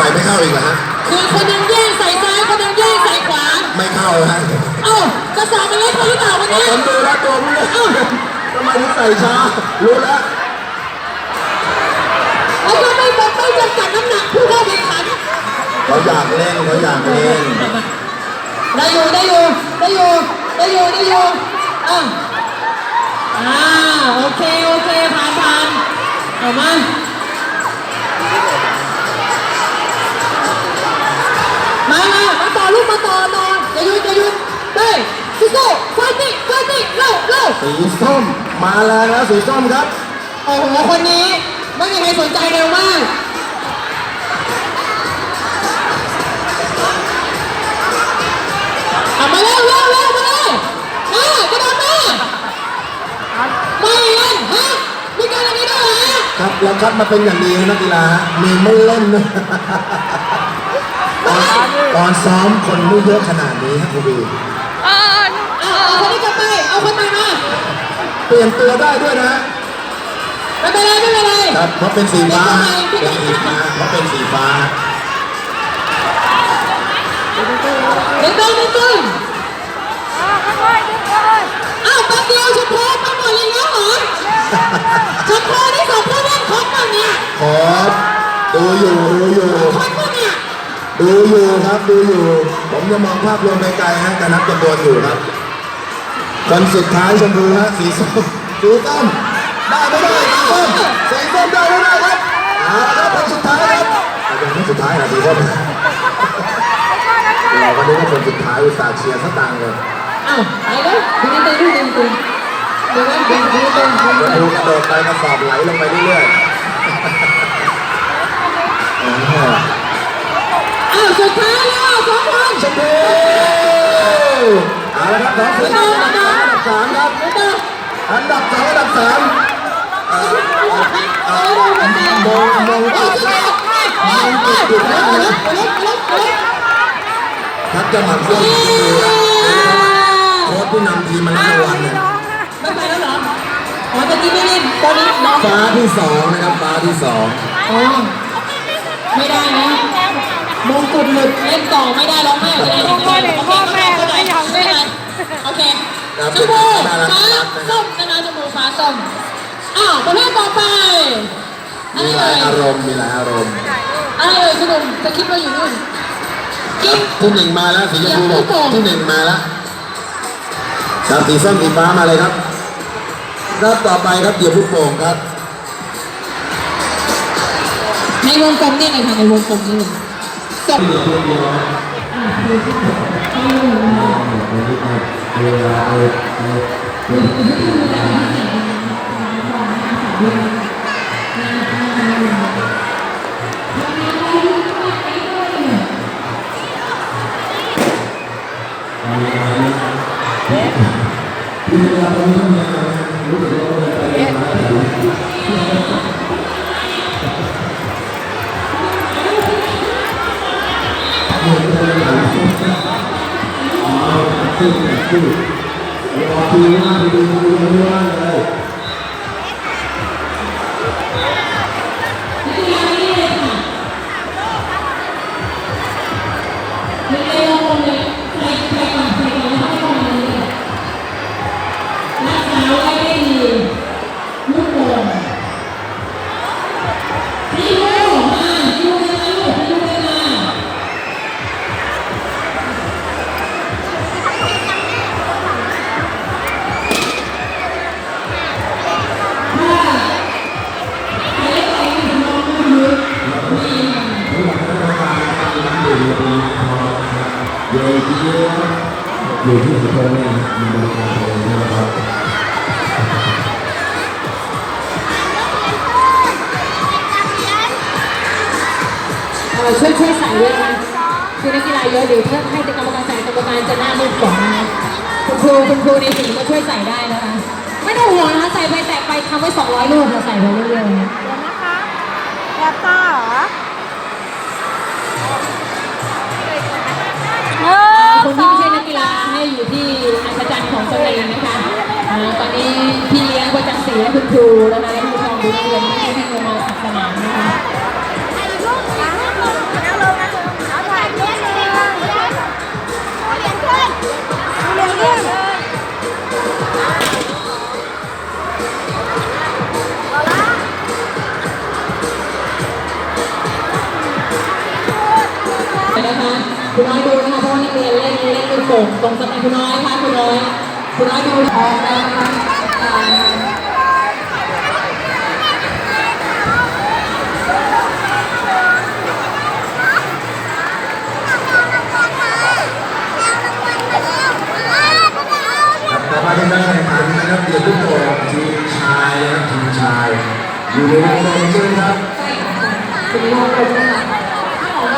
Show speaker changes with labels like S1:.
S1: ม่ไม่เข้าอีกเหรอฮะ
S2: คือคนนึงแย่งใส่ซ้ายคนนึงแย่งใส่ขวา
S1: ไม่เข้าฮะ
S2: เอ้ากระสอบมันเล็กไปหรือเปล่าวันนี้
S1: ผมดูแล้วตัวมันเลยทำไมถึงใส่ช้ารู้แล้ว
S2: แล้วก็ไม่จำกัดน้ำหนักผู้เข้าแข่งขัน
S1: เขาอยากเล่นเขาอยากเล่น
S2: ได้อยู่โอเคผ่านเอามาต่อลูกมาต่ออย่าหยุดเฮ้ยสู้ไฟติ้งเร็ว
S1: สีส้มมาแล้วสีส้มครับ
S2: โอ้โหคนนี้ไม่มีใครสนใจเร็วมากมาเร็วมาเลยกระโดดมาไม่เล่นฮะมีการอะไรด้วยเหรอ
S1: ครับเราคัดมาเป็นอย่างดีนักกีฬามีไม่เล่นนะตอนซ้อมคนไม่เยอะขนาดนี้ครับคุณบี
S2: เอาคนนี้กลับไปเอาคนใหม่มา
S1: เปลี่ยนตัวได้ด้วยนะ
S2: ไม่เป็นไร
S1: ครับเพราะเป็นสีฟ้าเพราะเป็นสีฟ้า
S2: เดินอ้าวแป๊บเดียวชมพูไปหมดเลยแล้วเหรอชมพูนี่ส่งผู้เล่นครบป่ะเนี่ย
S1: ครบดูอยู่
S2: ครบป่ะเนี่ย
S1: ดูอยู่ครับผมจะมองภาพรวมไกลๆฮะแต่นับจำนวนอยู่ครับคนสุดท้ายชมพูฮะสีส้มได้ไม่ได้สีส้มได้ไม่ได้ครับครับคนสุดท้ายครับยังไม่สุดท้ายนะสีส้มเราก็นึกว่าคนสุดท้ายอุตส่าห์เชียร์สตางค์เลย
S2: อ้าวไปเลยดึงดูกระ
S1: โดดไปกระสอบไหลลงไปเรื่อย
S2: อ้าวสุดท้ายแล้ว2 คน
S1: ชมพูเอาละครับ2 คนอันดับ 3ครับอันดับ 2อันดับ 3มองจุดทักจะหมั่นเพื่อนโค้ชผู้นำทีมมาแล้ววันเนี่ย
S2: ไม่ไปแล้วเหรออ๋อตะกี้ไม่เล่นตอนนี้น้อง
S1: ฟ้าที่2นะครับฟ้าที่2
S2: อ๋อไม่ได้นะมงกุฎหลุดเล่นต่อไม่ได้ร้องไห้จะได้ยังไงพ่อแม่ไม่ยอมเล่นโอเคชมพูฟ้าส้มนะคะชมพูฟ้าส้มอ้าวประเภทต่อไป
S1: มีหลายอารมณ์
S2: อะไรเลยคุณหนุ่มจะคิดว่าอยู่นู่น
S1: ที่1มาแล้วสีชมพูที่1มาแล้วครับสีส้มสีฟ้ามาเลยครับรอบต่อไปครับเดี่ยวลูกโป่งครับ
S2: ในวงกลมนี่เลยค่ะในวงกลมนี่เลยจบ
S1: อยู่ที่สุโขทัยเนี่ยมีบริการเลยนะครับ
S2: ช่วยใส่ด้วยนะคือนักกีฬาเยอะเดี๋ยวถ้าให้กรรมการใส่กรรมการจะหน้ามืดก่อนนะคุณครูในทีมก็ช่วยใส่ได้นะคะไม่ต้องห่วงนะคะใส่ไปแตะไปทำไว้200 ลูกเราใส่ไปเรื่อยๆ
S3: นะคะแอบตาเหรอ
S2: คนที่ไม่ใช่นักกีฬาให้อยู่ที่อัศจรรย์ของตัวเองนะคะตอนนี้พี่เลี้ยงประจักษ์ศรีและคุณครูแล้วนะผู้ปกครองดูนักเรียนไม่ให้วิ่งลงมาสนามนะคะคุณน้อยดูนะคะเพราะว่านักเรียนเล่นลูกโป่งตรงสนามคุณน้อยค่ะคุณน้อยดูทองแล้วนะคะ
S1: ต่อไปเป็นการแข่งขันนะครับเดี่ยวลูกโป่งทีมชายนะครับทีมชายอยู่ในวงกลมใช่ไหมครับ
S2: คุณน้องลงนะคะ